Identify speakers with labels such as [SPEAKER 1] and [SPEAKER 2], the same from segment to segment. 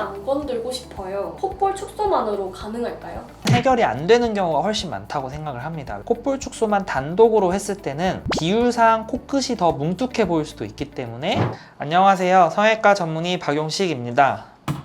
[SPEAKER 1] 안 건들고 싶어요. 콧볼 축소만으로 가능할까요?
[SPEAKER 2] 해결이 안 되는 경우가 훨씬 많다고 생각을 합니다. 콧볼 축소만 단독으로 했을 때는 비율상 코끝이 더 뭉툭해 보일 수도 있기 때문에. 안녕하세요, 성형외과 전문의 박용식입니다.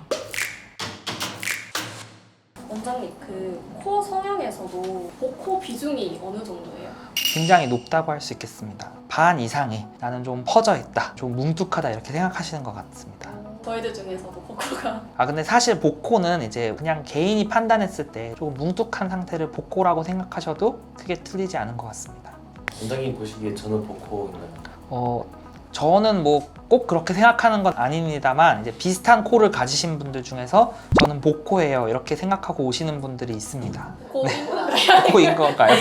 [SPEAKER 1] 원장님, 코 성형에서도 복코 비중이 어느 정도예요?
[SPEAKER 2] 굉장히 높다고 할 수 있겠습니다. 반 이상이 나는 좀 퍼져 있다, 좀 뭉툭하다 이렇게 생각하시는 것 같습니다.
[SPEAKER 1] 저희들 중에서도 복코가
[SPEAKER 2] 근데 사실 복코는 이제 그냥 개인이 판단했을 때 조금 뭉툭한 상태를 복코라고 생각하셔도 크게 틀리지 않은 것 같습니다.
[SPEAKER 3] 원장님 보시기에 저는 복코인가요?
[SPEAKER 2] 저는 뭐 꼭 그렇게 생각하는 건 아닙니다만, 이제 비슷한 코를 가지신 분들 중에서 저는 복코예요 이렇게 생각하고 오시는 분들이 있습니다.
[SPEAKER 1] 복코인가요?
[SPEAKER 2] 복코인 건가요?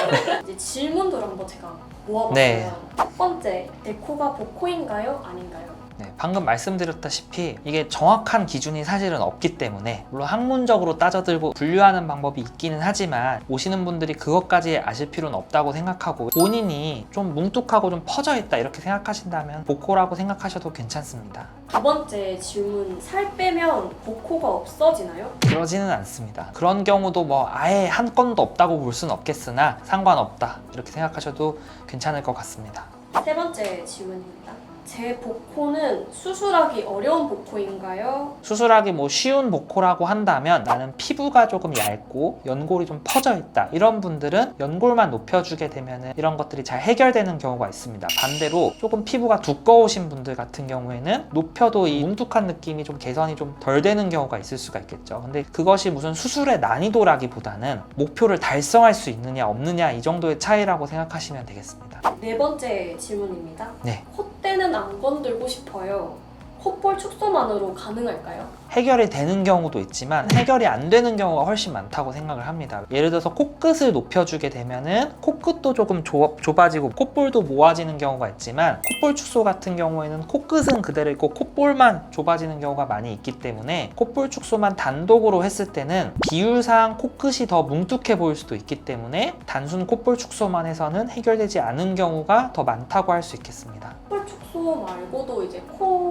[SPEAKER 1] 이제 질문들 한번 제가 모아봤어요.
[SPEAKER 2] 네.
[SPEAKER 1] 첫 번째, 내 코가 복코인가요? 아닌가요?
[SPEAKER 2] 네, 방금 말씀드렸다시피 이게 정확한 기준이 사실은 없기 때문에, 물론 학문적으로 따져들고 분류하는 방법이 있기는 하지만 오시는 분들이 그것까지 아실 필요는 없다고 생각하고, 본인이 좀 뭉툭하고 좀 퍼져 있다 이렇게 생각하신다면 복코라고 생각하셔도 괜찮습니다.
[SPEAKER 1] 두 번째 질문, 살 빼면 복코가 없어지나요?
[SPEAKER 2] 그러지는 않습니다. 그런 경우도 뭐 아예 한 건도 없다고 볼 수는 없겠으나 상관없다 이렇게 생각하셔도 괜찮을 것 같습니다.
[SPEAKER 1] 세 번째 질문입니다. 제 복코는 수술하기 어려운 복코인가요?
[SPEAKER 2] 수술하기 뭐 쉬운 복코라고 한다면, 나는 피부가 조금 얇고 연골이 좀 퍼져 있다 이런 분들은 연골만 높여주게 되면 이런 것들이 잘 해결되는 경우가 있습니다. 반대로 조금 피부가 두꺼우신 분들 같은 경우에는 높여도 이 뭉툭한 느낌이 좀 개선이 좀 덜 되는 경우가 있을 수가 있겠죠. 근데 그것이 무슨 수술의 난이도라기보다는 목표를 달성할 수 있느냐 없느냐 이 정도의 차이라고 생각하시면 되겠습니다.
[SPEAKER 1] 네 번째 질문입니다.
[SPEAKER 2] 네.
[SPEAKER 1] 콧대는 안 건들고 싶어요. 콧볼 축소만으로 가능할까요?
[SPEAKER 2] 해결이 되는 경우도 있지만 해결이 안 되는 경우가 훨씬 많다고 생각을 합니다. 예를 들어서 코끝을 높여주게 되면은 코끝도 조금 좁아지고 콧볼도 모아지는 경우가 있지만, 콧볼 축소 같은 경우에는 코끝은 그대로 있고 콧볼만 좁아지는 경우가 많이 있기 때문에 콧볼 축소만 단독으로 했을 때는 비율상 코끝이 더 뭉툭해 보일 수도 있기 때문에 단순 콧볼 축소만 해서는 해결되지 않은 경우가 더 많다고 할 수 있겠습니다.
[SPEAKER 1] 콧볼 축소 말고도 이제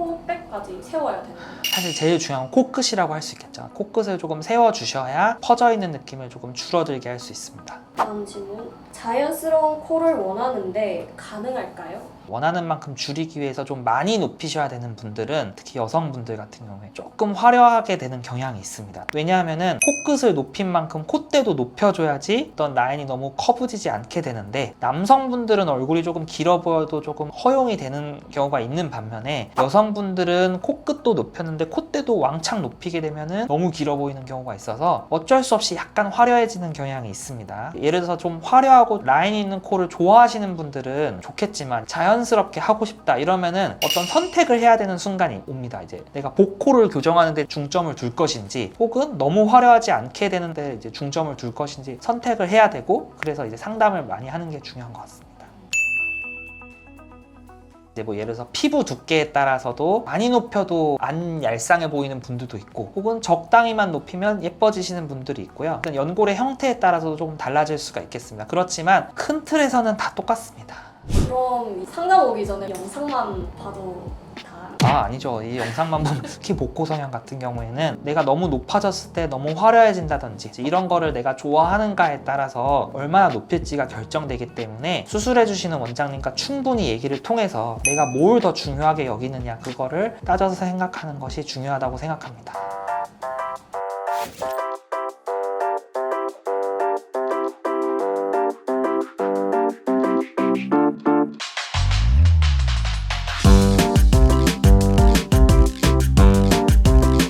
[SPEAKER 1] 코백까지 세워야 되는 거예요.
[SPEAKER 2] 사실 제일 중요한 건 코끝이라고 할 수 있겠죠. 코끝을 조금 세워주셔야 퍼져 있는 느낌을 조금 줄어들게 할 수 있습니다.
[SPEAKER 1] 다음 질문. 자연스러운 코를 원하는데 가능할까요?
[SPEAKER 2] 원하는 만큼 줄이기 위해서 좀 많이 높이셔야 되는 분들은, 특히 여성분들 같은 경우에 조금 화려하게 되는 경향이 있습니다. 왜냐하면은 코끝을 높인 만큼 콧대도 높여줘야지 어떤 라인이 너무 커브지지 않게 되는데, 남성분들은 얼굴이 조금 길어 보여도 조금 허용이 되는 경우가 있는 반면에, 여성분들은 코끝도 높였는데 콧대도 왕창 높이게 되면은 너무 길어 보이는 경우가 있어서 어쩔 수 없이 약간 화려해지는 경향이 있습니다. 예를 들어서 좀 화려하고 라인이 있는 코를 좋아하시는 분들은 좋겠지만, 자연스럽게 하고 싶다 이러면은 어떤 선택을 해야 되는 순간이 옵니다. 이제 내가 복코를 교정하는 데 중점을 둘 것인지, 혹은 너무 화려하지 않게 되는데 이제 중점을 둘 것인지 선택을 해야 되고, 그래서 이제 상담을 많이 하는 게 중요한 것 같습니다. 이제 뭐 예를 들어서 피부 두께에 따라서도 많이 높여도 안 얄쌍해 보이는 분들도 있고, 혹은 적당히만 높이면 예뻐지시는 분들이 있고요. 연골의 형태에 따라서도 조금 달라질 수가 있겠습니다. 그렇지만 큰 틀에서는 다 똑같습니다.
[SPEAKER 1] 그럼 상담 오기 전에 영상만 봐도 다
[SPEAKER 2] 아니죠. 이 영상만 보면 특히 복코 성형 같은 경우에는 내가 너무 높아졌을 때 너무 화려해진다든지 이런 거를 내가 좋아하는가에 따라서 얼마나 높일지가 결정되기 때문에, 수술해주시는 원장님과 충분히 얘기를 통해서 내가 뭘 더 중요하게 여기느냐 그거를 따져서 생각하는 것이 중요하다고 생각합니다.